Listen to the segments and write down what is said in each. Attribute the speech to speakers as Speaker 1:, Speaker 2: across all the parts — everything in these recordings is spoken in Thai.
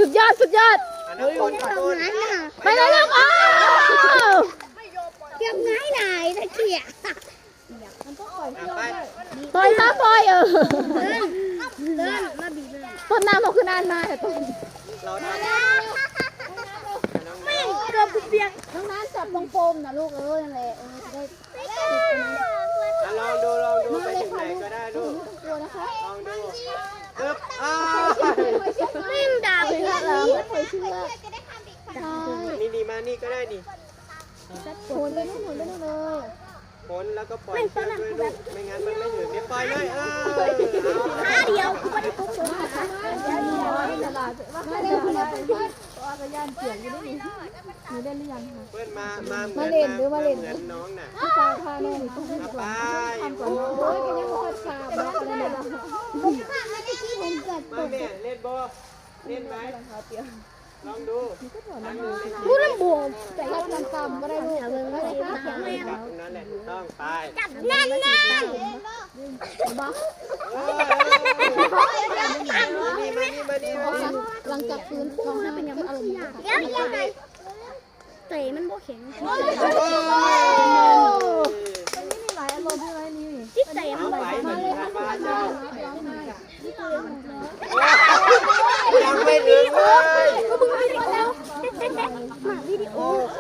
Speaker 1: ดยอดสุดยอด
Speaker 2: อันนั้นคนขอโทษ
Speaker 1: ไปเลยลูกอ้าว
Speaker 3: เก็บง่ายหน่ายตะเกียบ
Speaker 2: ไป
Speaker 1: ปล่อยมาปล่อย
Speaker 3: เดินมาบีบเลย
Speaker 1: ต้นน้ำเราคือนานมาแต่ต้น
Speaker 2: เราทำ
Speaker 3: ไม่เกือบเปียก
Speaker 1: น้องน้ำจับตรงโฟมนะลูกนั่นแหละจะได้
Speaker 2: ลองดูไปถึงไหนก็ได้ลูก
Speaker 1: กลัวนะคะ
Speaker 2: ลองดูอึ๊บ
Speaker 3: ไม่ด่า
Speaker 1: เชื่อแล้วไม่เคยเชื่อใช่
Speaker 2: นี่ดีมานี่ก็ได้ดิ
Speaker 1: โหนไปนู่นเลย
Speaker 2: พ้นแล้วก็ปล่อยเชือกด้วยลูกไม่งั้นมันไม่ถึงเดี๋ยวปล่อยเลย
Speaker 3: ขาเดียวไม่ได้ปุ๊บเลย
Speaker 1: ตลาดมาเร็วคุณเป็นเพื่อนว่าจะย่านเสียงอยู่ได้หนูได้หรือยังคะ
Speaker 2: เพื่อนมาเหมือนน้องน่ะ
Speaker 1: พี่ตาพาแม่หนูต้องให้ก่อนทำก่อนโอ้ยกันยังไม่ค่อยทราบนะอะไรนะ
Speaker 2: มาแม่เล่นบอลเล่นไหมลองดูลองดู
Speaker 1: พูดเรื่องบวกแต่รับน้ำกำก็ได้ลูกไม่ได้ค่ะ
Speaker 2: ตรงนั้นแหละถูกต้องไป
Speaker 3: แน่นแน่น
Speaker 1: บ้า
Speaker 2: มาดี
Speaker 1: หลังจากฟื้นท้องเป็นยังไม่อารมณ์
Speaker 3: ยังไงเตะมันโบแข็ง
Speaker 1: มีหลายอารมณ์ใช่ไหมนี่
Speaker 3: ที่เตะ
Speaker 2: เอาไป
Speaker 1: มาเลยค่ะ
Speaker 2: มา
Speaker 1: ร้
Speaker 2: เจ้า
Speaker 1: องไห้
Speaker 2: ยังไม่ถึงเลย
Speaker 3: มาวิดีโอ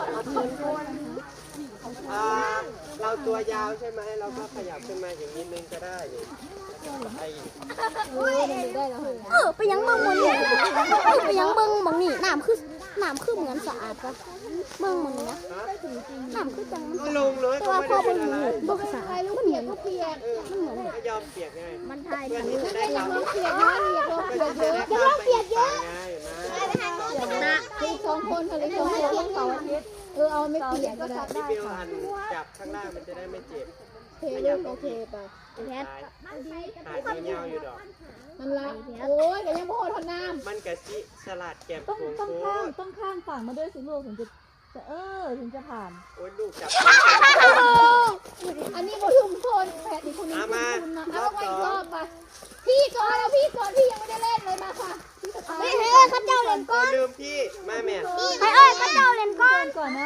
Speaker 2: เราตัวยาวใช่ไหมเราก็ขยับขึ้นมาอย่างนี้นึงก็ได้นี่ไป
Speaker 1: ได้แล้วเหรอ
Speaker 3: ไปยังเมืองมันนี่ไปยังเมืองบางนี่น้ำคือเหมือนสะอาดปะเมืองมันนะน้ำคือจังมัน
Speaker 2: ลงเลยก็ไม่ได้เป็นอะไร
Speaker 3: บกสะอาดมันเหมือนเปียกมันเหมือน
Speaker 2: ก็ยอมเปียกไง
Speaker 3: มันไทย
Speaker 2: เพื่อนที่จะได้ทำ
Speaker 1: เปียกนะเปียกเยอะ
Speaker 2: จะได้เปียกเยอะไงมา
Speaker 1: คือ2 คนค่ะเลย2 คนเสาร์อาทิตย์เอาไม่เปียกก็ได้
Speaker 2: พี่บิวหันจับข้างล่างมันจะได้ไม่เจ็บ
Speaker 1: โอเคลูกโอเคไป
Speaker 3: แพท
Speaker 2: หายเงาอยู่ดอก
Speaker 1: มันละโอ้ยแต่ยังพ่อทนน้ำ
Speaker 2: มันกะชิสลัดแก้มโค้ง
Speaker 4: ต้องข้างฝั่งมาด้วยสิลูกถึงจะถึงจะผ่าน
Speaker 2: โอ้ยลูกจับ
Speaker 1: อันนี้บอลุมคนแพทย์อีกคนนึงคุณนะเอาไปอีกรอบไปพี่ก่อนแล้วพี่ก่อนพี่ยังไม่ได้เล่นเลยมาค่ะ
Speaker 3: เฮ้ยข้าเจ้าเล่นก้อน
Speaker 2: ลืมพี่มาแม่
Speaker 3: ข้าเจ้าเล่นก้อน
Speaker 4: ก่อนนะ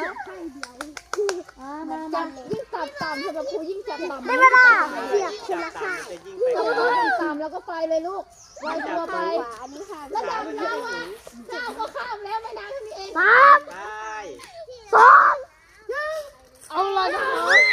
Speaker 1: จับยิ่งต่ำต่ำสำหรับครูยิ่งจับต่ำ
Speaker 3: ได้เวลาเปียกคน
Speaker 2: จับ
Speaker 3: ละ
Speaker 2: ตา
Speaker 3: ค่ะ
Speaker 2: จะยิ่งไป
Speaker 1: ต่ำแล้วก็ไปเลยลูกไวตัวไปแล้วดำน้ำว่าเจ้าก็ข้ามแล้วไม่นานเท่านี้เอง
Speaker 3: สาม
Speaker 2: ไป
Speaker 3: สองหนึ่ง
Speaker 1: เอาละนะ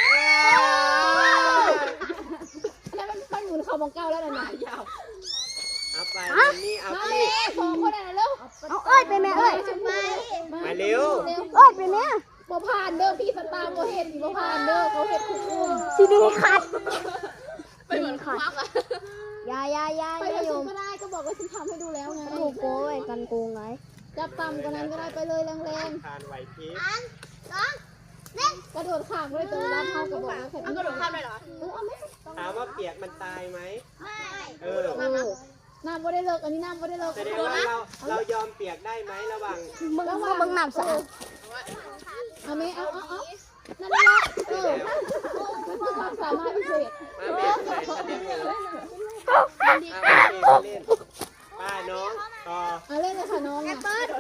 Speaker 1: แล้วมันหมุนเข่ามองเก้าแล้วนะยาว
Speaker 2: เอาไปนี่เอา
Speaker 1: มา
Speaker 2: พี่
Speaker 1: เลย2 คนอ่ะเร็ว
Speaker 3: เอาเอ้ยไปแม่เอ้ย
Speaker 2: มาเร็ว
Speaker 3: เอ้ยไปแม่
Speaker 1: บ่ผ่านเด้อพี่สตาร์บ่เห็นบ่ผ่านเด้อเขาเห็นคุกอุ้ม
Speaker 3: สีดีขัด
Speaker 1: ไปเหมือนคักอ่ะ
Speaker 3: ยา
Speaker 1: ไปผสมก็ได้ก็บอกว่าฉันทำให้ดูแล้วไง
Speaker 3: ลูกโก้ยกันโกงไง
Speaker 1: จับต่ำกว่านั้นก็ได้ไปเลยแรง
Speaker 2: ทานไหวพริบ
Speaker 1: ๆกระโดดข้ามเลยตัวรับเขากับบอกว่าแค่กระโดดข้ามเลยเหรอเอาไหม
Speaker 2: ถามว่าเปียกมันตายไหมเออ
Speaker 1: น้ำบ่ได้เลิกอันนี้น้ำบ่ได้เลิก
Speaker 2: แสดงว่าเรายอมเปียกได้ไหมระหว่าง
Speaker 3: มึงน้ำสะอาด
Speaker 1: เอาไหมเอานั่นแหละมันคือความสามารถพิเศษ
Speaker 2: มาแม่ใส่ทะเลหมดเอาเล่นป้าน้องต่อ
Speaker 1: เอาเล่นเลยค่ะน้องอ่ะ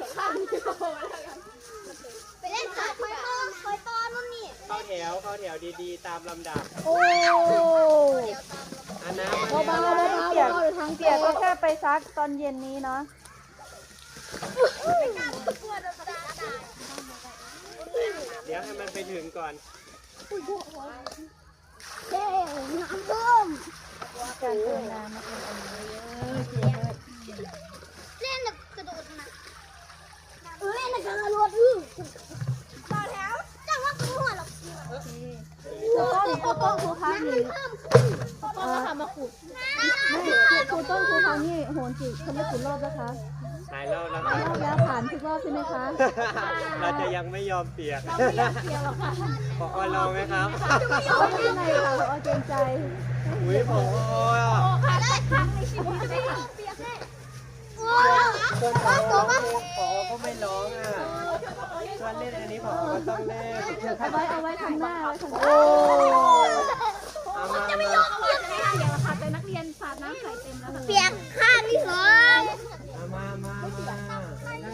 Speaker 3: ไปเล่นขาคอยต้อนนู่นนี่
Speaker 2: เข้าแถวดีๆตามลำดับ
Speaker 1: โอ้
Speaker 2: อันน้ำ
Speaker 1: เบาๆเดี๋ยวทาง
Speaker 4: เปียกก็แค่ไปซักตอนเย็นนี้เนาะ
Speaker 2: เดี๋ยวให้มันไปถึงก่อน
Speaker 3: เด้น้ำท่วม
Speaker 4: การเติมน้ำนะคะ
Speaker 3: เล่นกระโดดนะเล่นกระโดดต่อแถวจังว่ากูหัวหรอก
Speaker 4: ต้นครูพักนี่
Speaker 1: ก็มาทำมาขุด
Speaker 4: ครูต้นครูพักนี่โหนจิเขาไม่กี่รอบนะคะ
Speaker 2: หายแล้วนะค
Speaker 4: รอบแล้วผ่านทุกรอบใช่ไหมคะ
Speaker 2: เราจะยังไม่ยอมเปียก
Speaker 1: ไม่อยากเสียหรอกค่ะ
Speaker 2: พอลองไหมครับ
Speaker 4: ไม่เป็นไรค่ะเอาเกรงใจ
Speaker 2: อุ้ยพอ
Speaker 1: ค่ะครั้งในชีวิตได้
Speaker 2: คนพอร้องพอก็ไม่ร้องอ่ะชวนเล่นอันนี้พอก็ต้องเล่น
Speaker 4: เอาไว้ทำหน้าไว้ทำหน้า
Speaker 2: เอามา
Speaker 1: เปียกแล้วค่ะแต่นักเรียนสาดน้ำใส่เต็มแล้วค่ะ
Speaker 3: เปียกข้างที่สอง
Speaker 2: มา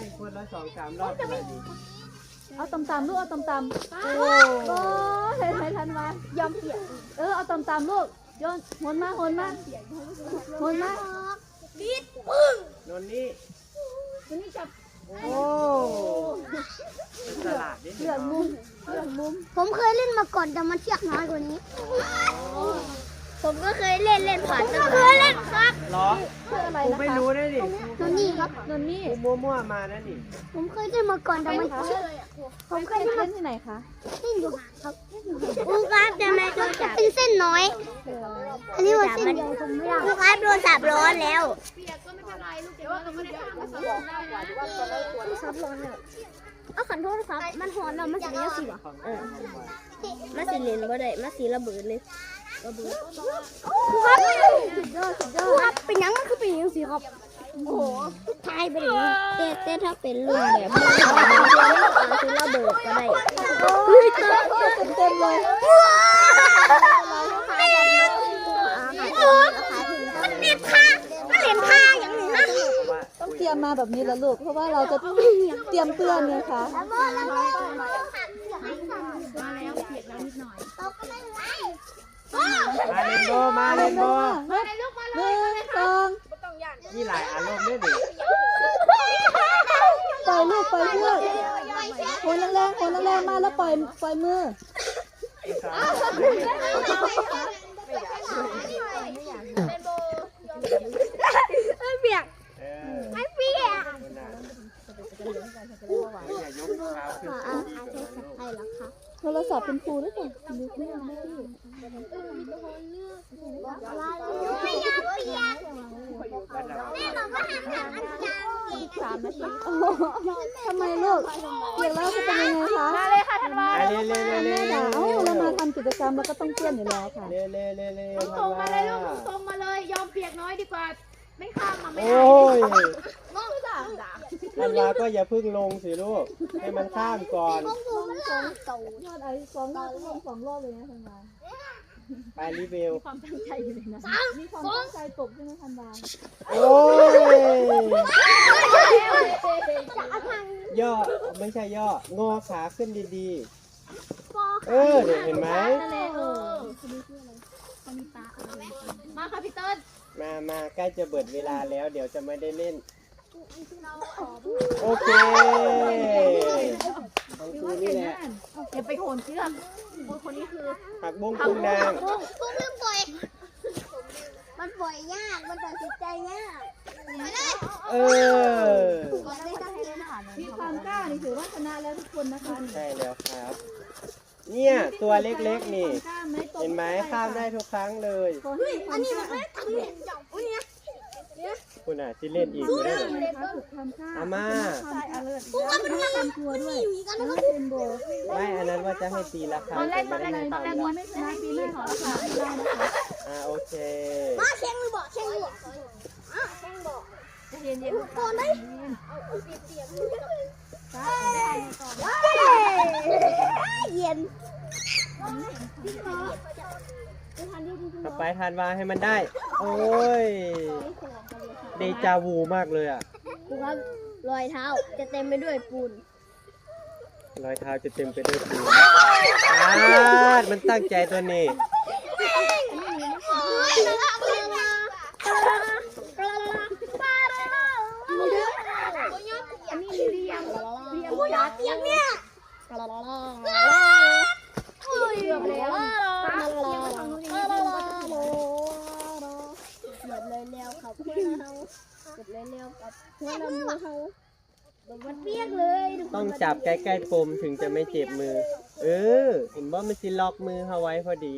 Speaker 2: ละ2-3 รอบก็ดี
Speaker 4: เอาตำๆลูกเอาตำๆโอ้เห็นไหมทันวะยอมเปียกเอาตำๆลูกโยนหนมาหนมา
Speaker 2: นนนี่
Speaker 4: วันนี้จับ
Speaker 2: โอ้เป็นตลาดนิด
Speaker 4: เหลืองมุม
Speaker 3: ผมเคยเล่นมาก่อนแต่มันเชือกน้อยกว่านี้ ผมก็เคยเล่นผ่านเคยเล่นครับ
Speaker 2: หรอ
Speaker 4: คืออะไร
Speaker 2: กู
Speaker 4: นะ
Speaker 2: ไม่
Speaker 4: คะ
Speaker 2: รู้ได้ดิ
Speaker 3: นนี่ครับ
Speaker 4: นนนี่
Speaker 2: กูมั่วๆมานะนี่
Speaker 3: ผมเคยเล่นมาก่อนแต่มันเชือกผมเคย
Speaker 4: เล่นที่ไหนคะ
Speaker 3: เล่นอยู่ครับอูครับจะไม่โดนจับเป็นเส้นน้อย อันนี้ว่าเส้นใหญ่ผมไม่ได้อูครับโดนจับร้อนแล้ว
Speaker 1: เปียกก็ไม่เป็นไรลูกเดี๋ยวเราไม่ได้ทำก็สอนได้นะ
Speaker 3: ซับร้อนแล้วเอาขันโทษครับ มันหอนแล้วมันสีเหลืองสิวะมันสีเหลืองบ่ได้มันสีระเบิดเลยครับครับเป็นยังมันคือเป็นยังสิครับโอ้โหทายไปเลยแต่ถ้าเป็นรุ่นแบบมันสีระเบิดก็ได้
Speaker 4: เต็มเลย
Speaker 3: มันเล่นท่าอย่างนี้นะ
Speaker 4: ต้องเตรียมมาแบบนี้แล้วลูกเพราะว่าเราจะเตรียมเตือนไงคะ
Speaker 1: มาแล้วเปียกแล้วนิดหน่อย
Speaker 2: มาเล่นโบ
Speaker 1: มาเลยลูกมาเลย
Speaker 4: 1 2
Speaker 2: มีหลายอารมณ์ด้วยดิ
Speaker 4: ปล่อยลูกปล่อยเพื่อนโหนแรงๆมาแล้วปล่อยมือ
Speaker 3: เปียก
Speaker 2: ไม่เปียกอย่ายกเท้าขึ้นสูง
Speaker 4: โทรศัพท์เป็นครูด้วยกันดูเพื่อนได้พี่3 นาทีทำไมลูกเปียกแล้วจะเป็นยังไงคะ
Speaker 1: มาเลยค่ะธันวา
Speaker 2: เล่น
Speaker 4: แม่ด่าเรามาทำกิจกรรมแล้วก็ต้องเตี้ยนอยู่แล้วค่ะ
Speaker 2: เล่น
Speaker 1: ตรงมาเลยลูกตรงมาเลยยอมเปียกน้อยดีกว่าไม่ข้ามมาไม่
Speaker 2: โอ้
Speaker 1: ได้
Speaker 2: ยธันวาก็อย่าพึ่งลงสิลูก ให้มันข้ามก่อน
Speaker 4: ยอดไอ้2 รอบลง2 รอบเลยนะทันวา
Speaker 2: ไปรีเวล
Speaker 4: ความตั้งใจอยู่เลยนะมีความตั้งใจตกใช่ไหมทันวา
Speaker 2: โอ้ยย่อไม่ใช่ย่องอขาขึ้นดีๆ เดี๋ยวเห็นไหม
Speaker 1: มาค่ะพี่เติ้ล
Speaker 2: มาใกล้จะเบิดเวลาแล้วเดี๋ยวจะไม่ได้เล่น โอเคของครูนี่แหละ
Speaker 1: อย่าไปโหนเชือกคนนี้คือ
Speaker 2: ผักบุ้งกุ้งนาง
Speaker 3: ผมลืมปล่อย มันปล่อยยาก มันตัดสินใจยาก
Speaker 4: มีความกล้านี่ถือว่าชนะแล้วทุกคนนะคะ
Speaker 2: ใช่แล้วครับ เนี่ยตัวเล็กๆนี่
Speaker 4: กล้าไหมตก
Speaker 2: เห็นไหมข้ามได้ทุกครั้งเลย
Speaker 4: ขอให้ความกล้า
Speaker 2: คุณอ่ะที่เล่นอีกไม่ได้เลย
Speaker 4: นะคะฝึกความกล้า
Speaker 2: อาม่า
Speaker 4: ความอเลิร์ความกลัวด้วยแล้วเป็นโบ
Speaker 2: ไม่อันนั้นว่าจะให้ตีละครั้งแต่ไม่ได้ให้
Speaker 4: ตอน
Speaker 2: ทำ
Speaker 4: แรกไม่ชนะปีหน้าขอรักษาได้นะคะ
Speaker 2: โอเค
Speaker 3: แข่งหรือบอกแข่งหรือบอก
Speaker 4: เย็นๆก่อนได้
Speaker 3: เย็น
Speaker 2: ต่อไปทานวาให้มันได้ โอ้ย เดจาวูมากเลยอ่ะ
Speaker 3: ดูครับรอยเท้าจะเต็มไปด้วยปูน
Speaker 2: รอยเท้าจะเต็มไปด้วยปูนมันตั้งใจตัวนี้
Speaker 1: อันนี้เรียงยัด
Speaker 3: เปียกเนี่ย
Speaker 1: เกือบแล้ว
Speaker 3: เกือบเลยแล้วครับเกือบเลยแล้วครับหัวลำมือเขามันเปียกเลย
Speaker 2: ต้องจับใกล้ๆปมถึงจะไม่เจ็บมือ เห็นว่ามันสิล็อกมือเขาไว้พอดี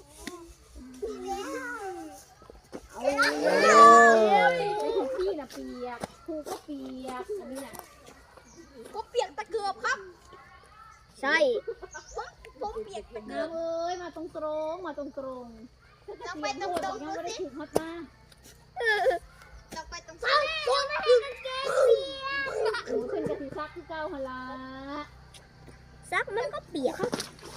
Speaker 1: พี่นะเปียกครูก็เปียกอันนี้น่ะ
Speaker 3: ก็เปียกตะเกือบครับ ใช่ผมเปียกตะเกือบ
Speaker 1: เอ้ยมาตรงมาตรง
Speaker 3: จะไปตรง
Speaker 1: ยังไม่ได้ถูกฮอตมา
Speaker 3: จะไปตรงซ้ายผมไม่ให้กางเกงเปียก
Speaker 1: ขึ้นกะทิซักที่เก้าฮาลา
Speaker 3: ซักมันก็เปียกครับ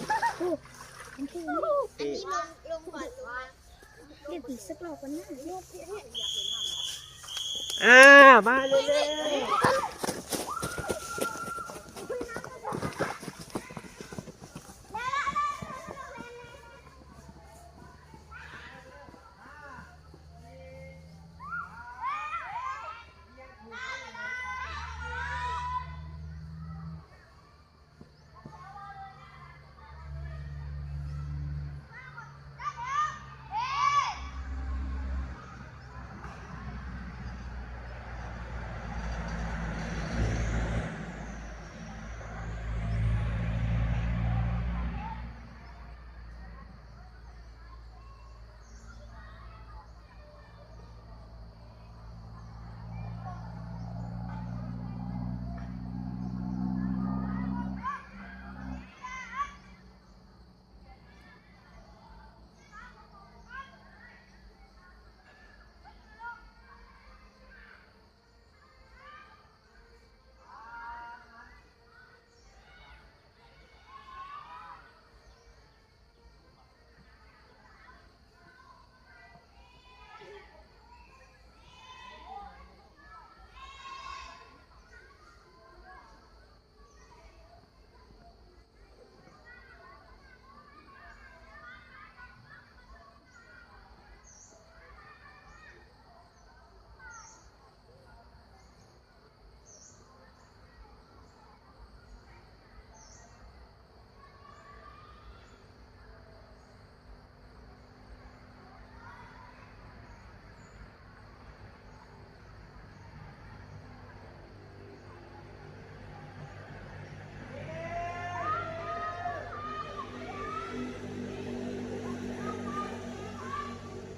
Speaker 2: ที่
Speaker 3: ลงก่อนว่าเดี๋ยวปีสักรอบกันนะ
Speaker 2: มาเร็วๆ